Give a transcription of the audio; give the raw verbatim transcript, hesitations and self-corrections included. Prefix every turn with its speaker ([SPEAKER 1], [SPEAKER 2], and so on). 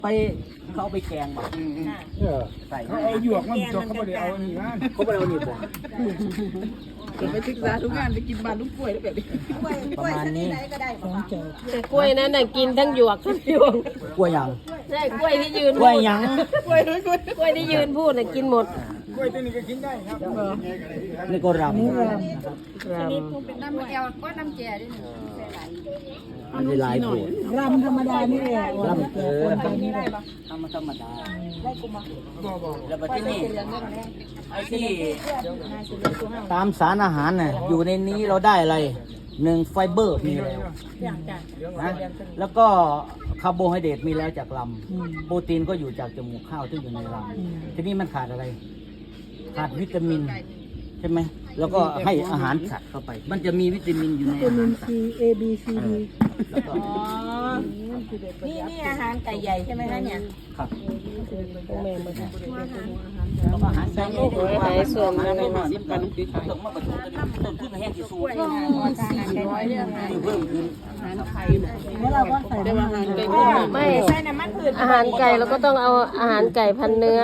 [SPEAKER 1] ไปเขาเอาไปแกงบ่เออใส่เขา
[SPEAKER 2] เอาหยวกมันจกเขาไม่ได้เอาอันนี้นะ
[SPEAKER 1] เขาไม่ได้เอานี่บ่
[SPEAKER 2] ไปศึกษาทุกงานไปกินบ้านลูกกล้วยแล้วแบบนี้
[SPEAKER 1] ประมาณนี้
[SPEAKER 3] แต่กล้วยนั้นน่ะกินทั้งหยวกทั้งหยวก
[SPEAKER 1] กล้วยหยัง
[SPEAKER 3] ใช่กล้วยที่ยืน
[SPEAKER 1] กล้วยหยัง
[SPEAKER 2] กล้วยด้วยกล้วย
[SPEAKER 3] กล้วยที่ยืนพูดน่ะกินหมด
[SPEAKER 2] กล้วยตัวนี้ก็กินได้ครับ
[SPEAKER 1] นี่ก็รำ
[SPEAKER 3] ร
[SPEAKER 4] เป็นน้ำแก้วก็น้ำแก่ด้วย
[SPEAKER 1] มันจะลายผูด
[SPEAKER 5] รำธรรมดานี่แหละ
[SPEAKER 1] รำเออทำธรรมดาแล้วบัดที่นี่ไอ้ที่ตามสารอาหารน่ะอยู่ในนี้เราได้อะไรหนึ่งไฟเบอร์มีแล้วนะแล้วก็คาร์โบไฮเดรตมีแล้วจากลำโปรตีนก็อยู่จากจมูกข้าวที่อยู่ในลำทีนี้มันขาดอะไร ขาดวิตามินใช่ไหมแล้วก็ให้อาหารสัตว์เข้าไป มันจะมีวิตามินอยู่ใน
[SPEAKER 5] วิ
[SPEAKER 1] อา
[SPEAKER 5] ตามิ
[SPEAKER 1] หาร
[SPEAKER 5] น
[SPEAKER 1] สัต
[SPEAKER 5] ซี
[SPEAKER 1] ว์
[SPEAKER 5] เอบีซีดี
[SPEAKER 1] แล้วก็
[SPEAKER 4] นี่นี่อาหารไก่ใหญ่ใช่ไหมคะเนี่ย
[SPEAKER 1] ครับ
[SPEAKER 3] แม่มา
[SPEAKER 1] แล้วก็อาหารสัตว์
[SPEAKER 3] หายส่วนมัน
[SPEAKER 1] ต้นสิบกันต้นมะกรูดต้นพืชแห้งที่สูง
[SPEAKER 4] สี่ร้อยเรื่องอาหาร
[SPEAKER 1] เพิ่มขึ้น
[SPEAKER 5] แล้วเราก็ใส่น้ำมัน
[SPEAKER 3] ไม่
[SPEAKER 4] ใส่น้ำมันพืช
[SPEAKER 3] อาหารไก่เราก็ต้องเอาอาหารไก่พันเนื้อ